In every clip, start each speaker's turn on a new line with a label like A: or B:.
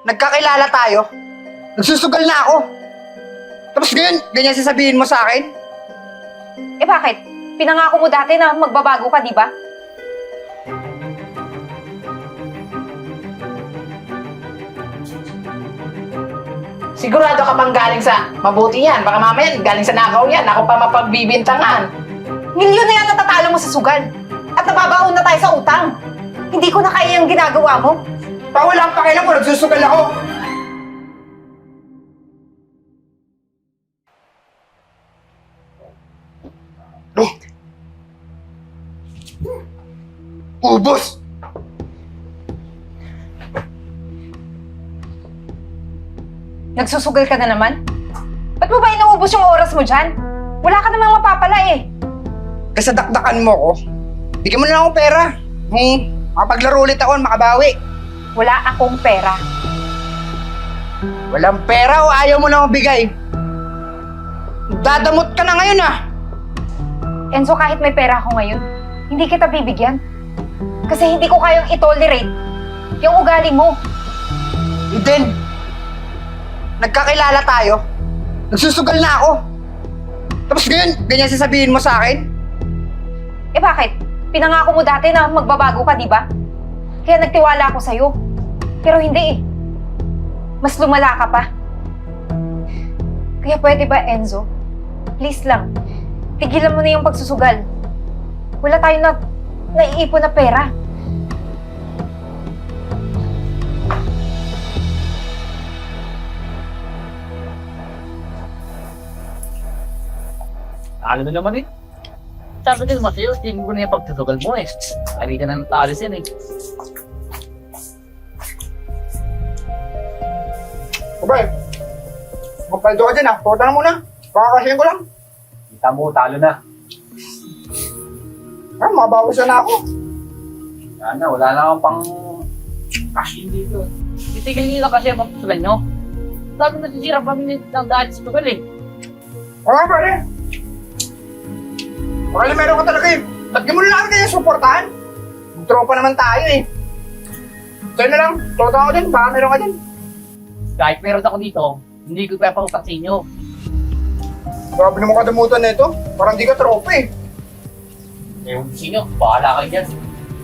A: Nagkakilala tayo. Nagsusugal na ako. Tapos ngayon, ganyan sasabihin mo sa akin?
B: Eh bakit? Pinangako mo dati na magbabago ka, di ba?
C: Sigurado ka bang galing sa mabuti yan? Baka mamaya galing sa nakaw yan. Ako pa mapagbibintangan.
B: Milyon na yan natatalo mo sa sugal. At nababaon na tayo sa utang. Hindi ko na kaya yung ginagawa mo.
A: Pa walang pakialam ko, nagsusugal ako. Ubus!
B: Nagsusugal ka na naman? Ba't mo ba inuubos yung oras mo dyan? Wala ka namang mapapala eh.
A: Kasadakdakan mo ko. Bigyan mo na lang akong pera. Makapaglaro ulit ako, makabawi.
B: Wala akong pera.
A: Walang pera o ayaw mo na mabigay? Dadamot ka na ngayon ah!
B: Enzo, kahit may pera ako ngayon, hindi kita bibigyan. Kasi hindi ko kayang itolerate yung ugali mo.
A: Eden, nagkakilala tayo. Nagsusugal na ako. Tapos ngayon, ganyan sasabihin mo sa akin?
B: Eh bakit? Pinangako mo dati na magbabago ka, di ba? Kaya nagtiwala ako sa'yo. Pero hindi eh. Mas lumala ka pa. Kaya pwede ba, Enzo? Please lang, tigilan mo na yung pagsusugal. Wala tayong naiipon na pera.
D: Talo na naman eh. Sabi ko naman sa'yo, tingin ko na yung pagtutugal mo eh. Ari ka na natalis yan eh.
A: Abay, magpaldo ka dyan ah. Pumunta na muna. Pakakasyahin ko lang.
D: Kita mo, talo na.
A: Mabawasan na ako.
D: Wala na akong pang cash in dito. Itigil nila kasi ang pagtutugal nyo. Sabi nasisira pa kami ng dahil sa tugal eh.
A: Oo, pare. Baka meron ka talaga eh. Lagyan mo na lang kaya supportahan. Tropa naman tayo eh. Sa'yo na lang. Toto ako din. Baka meron ka din.
D: Kahit meron ako dito, hindi ko kaya pautang sa inyo.
A: Grabe naman kadamutan na ito. Parang di ka tropa eh.
D: Ewan ko sa inyo, bahala kayo dyan.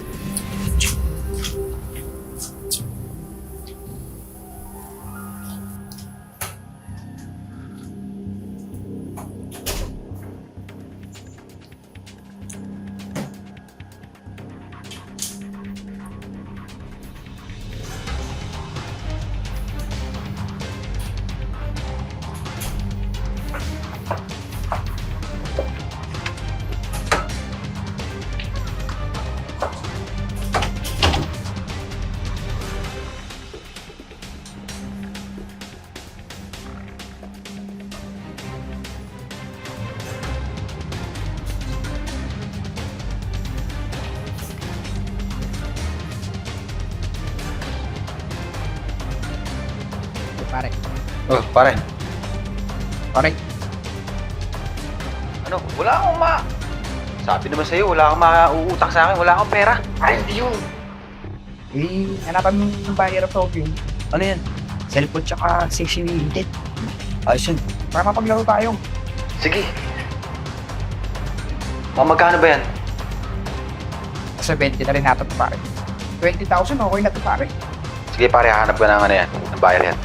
A: Pare.
E: Oh, pare.
A: Pare.
E: Ano? Wala akong Sabi naman sa'yo, wala akong mauutang sa akin. Wala akong pera.
A: Ay, hindi yun. Eh, hanapan mo ng buyer of talking.
E: Ano yan?
A: Cellphone tsaka sexy needed.
E: Ayos yun.
A: Para mapaglaro tayo.
E: Sige. Magkano ba yan?
A: Sa 20 na rin natin pare. 20,000 okay na to pare.
E: Sige pare, hahanap ka ng ano yan. Ng bayar yan.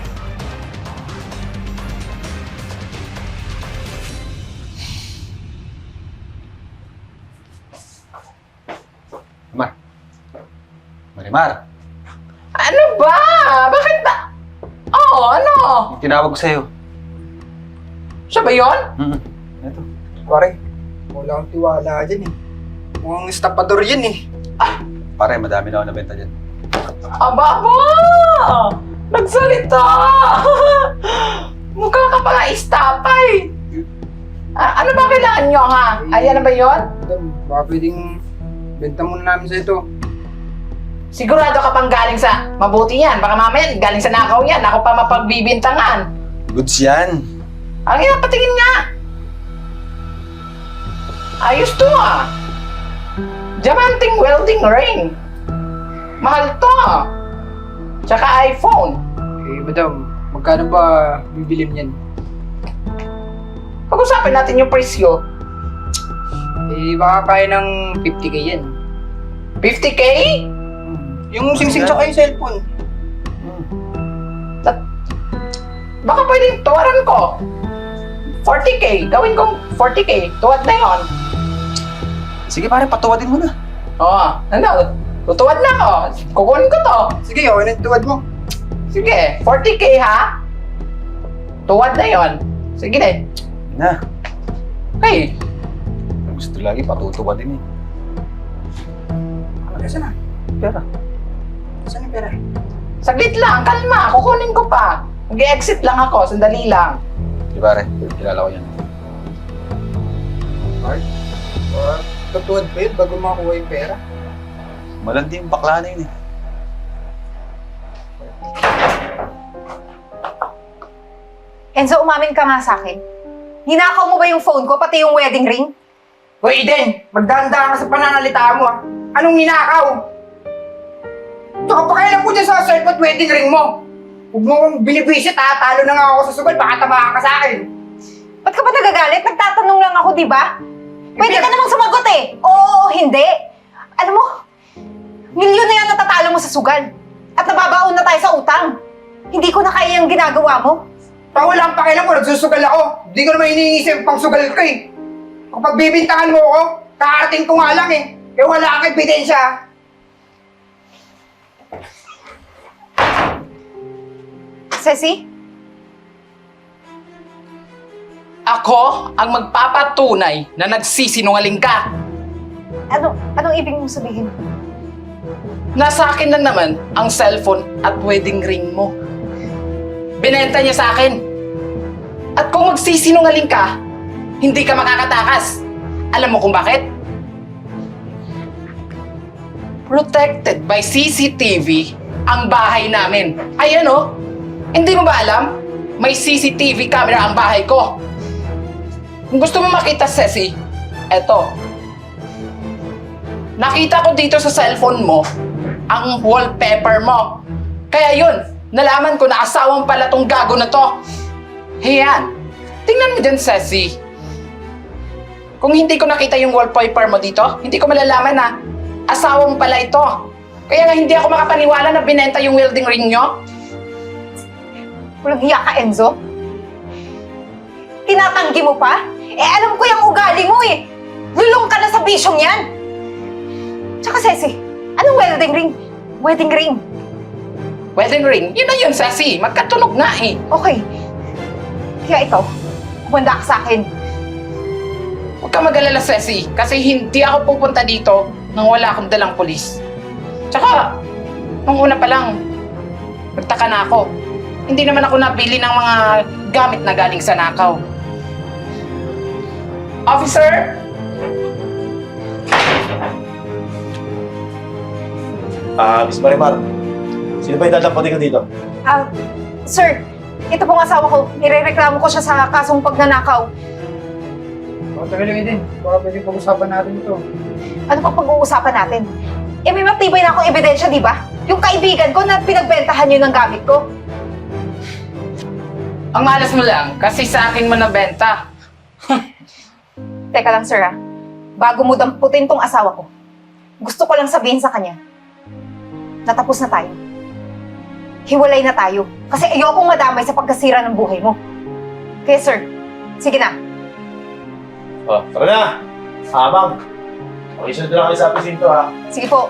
E: Marimar.
C: Ano ba? Bakit ba? Oo, ano?
E: Yung tinawag ko sa'yo.
C: Siya ba yun?
E: Ito.
A: Pare, wala akong tiwala dyan eh. Mukhang estapador yan eh.
E: Pare, madami na ako nabenta dyan.
C: Aba! Nagsalita! Mukha ka pala istapay! Ano ba kailangan nyo ha? Ayan na ba yun?
A: Baka pwedeng benta muna namin sa ito.
C: Sigurado ka bang galing sa mabuti yan? Baka mamaya galing sa nakaw yan. Ako pa mapagbibintangan.
E: Goods yan.
C: Ang ina, patingin nga! Ayos to ah! Diamanting welding ring. Mahal to ah! Tsaka iPhone.
D: Eh, madam, magkano ba bibili niyan?
C: Pag-usapan natin yung presyo.
D: Eh, baka kaya ng 50K yan.
C: 50K?
A: Yung sing-sing tsaka yung cellphone.
C: Baka pwedeng tuwaran ko. 40K. Gawin kong 40K. Tuwad na yon.
E: Sige pare, patuwadin mo na.
C: Oo. Ano? Tutuwad na ako. Kukunin ko to.
A: Sige, okay na tuwad mo.
C: Sige. 40K ha? Tuwad na yon. Sige na.
E: Na.
C: Okay.
E: Gusto lagi patutuwadin eh.
A: Saan na?
E: Pera.
A: Saan yung pera?
C: Saglit lang. Kalma. Kukunin ko pa. Mag-exit lang ako. Sandali lang.
E: Di pare, kilala ko yan.
A: Tutuwad pa yun bago makuha yung pera.
E: Malandi yung bakla na yun eh.
B: Enzo, umamin ka nga sa akin. Ninakaw mo ba yung phone ko, pati yung wedding ring?
A: Hoy, Eden! Magdanda ka sa pananalita mo, ah. Anong ninakaw? Tsaka pakailan po dyan sa cellphone wedding ring mo. Huwag mo kong binibisit, ha? Talo na nga ako sa sugal, baka tabahan ka sa akin.
B: Ba't ka ba nagagalit? Nagtatanong lang ako, di ba? Pwede ka namang sumagot eh. Oo o hindi. Alam mo, milyon na yan natatalo mo sa sugal. At nababaon na tayo sa utang. Hindi ko na kaya yung ginagawa mo.
A: Pa wala ang pakialam ko, nagsusugal ako. Hindi ko naman iniisip pang sugal ko eh. Kapag bibintangan mo ako, kakarating ko nga lang eh. Kaya wala kang ebidensya.
B: Ceci?
C: Ako ang magpapatunay na nagsisinungaling ka.
B: Anong ibig mong sabihin?
C: Nasa akin na naman ang cellphone at wedding ring mo. Binenta niya sa akin. At kung magsisinungaling ka, hindi ka makakatakas. Alam mo kung bakit? Protected by CCTV ang bahay namin. Ayan oh, hindi mo ba alam? May CCTV camera ang bahay ko. Kung gusto mo makita, Ceci, eto. Nakita ko dito sa cellphone mo ang wallpaper mo. Kaya yun, nalaman ko na asawang pala tong gago na to. Hiyan, tingnan mo dyan, Ceci. Kung hindi ko nakita yung wallpaper mo dito, hindi ko malalaman na asawang pala ito. Kaya nga hindi ako makapaniwala na binenta yung wedding ring nyo.
B: Walang hiya ka, Enzo? Tinatanggi mo pa? Eh, alam ko yung ugali mo eh. Lulong ka na sa bisyong yan. Tsaka, Ceci, anong wedding ring? Wedding ring.
C: Wedding ring? Yun na yun, Ceci. Magkatunog nga eh.
B: Okay. Kaya ikaw, kumanda ka sa akin.
C: Huwag ka mag-alala, Ceci. Kasi hindi ako pupunta dito nang wala akong dalang polis. Tsaka, nung una pa lang, nagtaka na ako. Hindi naman ako nabili ng mga gamit na galing sa nakaw. Officer?
F: Miss Marimar, sino ba yung dadampatin ko dito?
B: Sir, ito pong asawa ko. Nirereklamo ko siya sa kasong pagnanakaw.
A: Tagal lang din. Baka pwedeng pag-usapan natin ito.
B: Ano pa pag-uusapan natin? Eh, may matibay na akong ebidensya, di ba? Yung kaibigan ko na pinagbentahan yun ng gamit ko.
C: Ang malas mo lang, kasi sa akin mo nabenta.
B: Teka lang, sir, bago mo damputin tong asawa ko, gusto ko lang sabihin sa kanya, natapos na tayo. Hiwalay na tayo. Kasi ayokong madamay sa pagkasira ng buhay mo. Kaya, sir, sige na.
F: Tara na! Ma'am. Makisunod na lang kayo sa presinto, ha?
B: Sige po.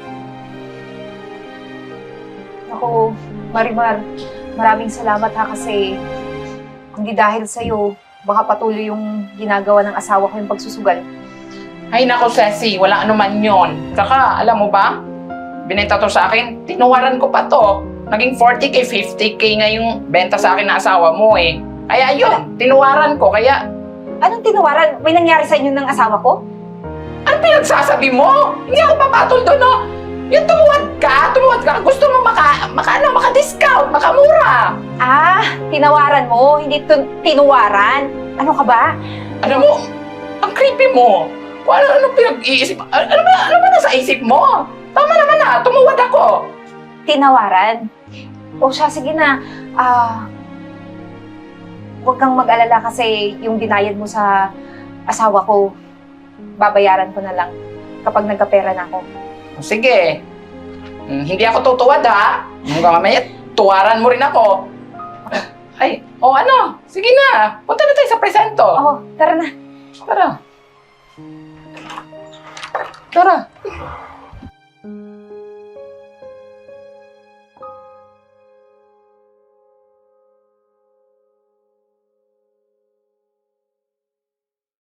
B: Ako, Marimar, maraming salamat ha kasi hindi dahil sa'yo, baka patuloy yung ginagawa ng asawa ko yung pagsusugal.
C: Ay nako, Ceci, wala anuman yon. Saka, alam mo ba? Binenta to sa akin, tinuwaran ko pa to. Naging 40K, 50K nga yung benta sa akin ng asawa mo eh. Kaya yun, tinuwaran ko, kaya...
B: Anong tinuwaran? May nangyari sa inyo ng asawa ko?
C: Ano pinagsasabi mo? Hindi ako papatol doon, no? Yung tumuwad ka, gusto mo maka-discount, makamura.
B: Tinawaran mo, hindi tinuwaran. Ano ka ba?
C: Alam mo, ang creepy mo. Kung ano pinag-iisip, ano ba nasa isip mo? Tama naman na, tumuwad ako.
B: Tinawaran. O siya, sige na. Huwag kang mag-alala kasi yung binayad mo sa asawa ko, babayaran ko na lang kapag nagkapera na ako.
C: Sige. Hindi ako tutuwad ha. Hanggang mamaya, tuwaran mo rin ako. Ay, ano? Sige na. Punta na tayo sa presento.
B: Oo, tara na.
C: Tara. Tara.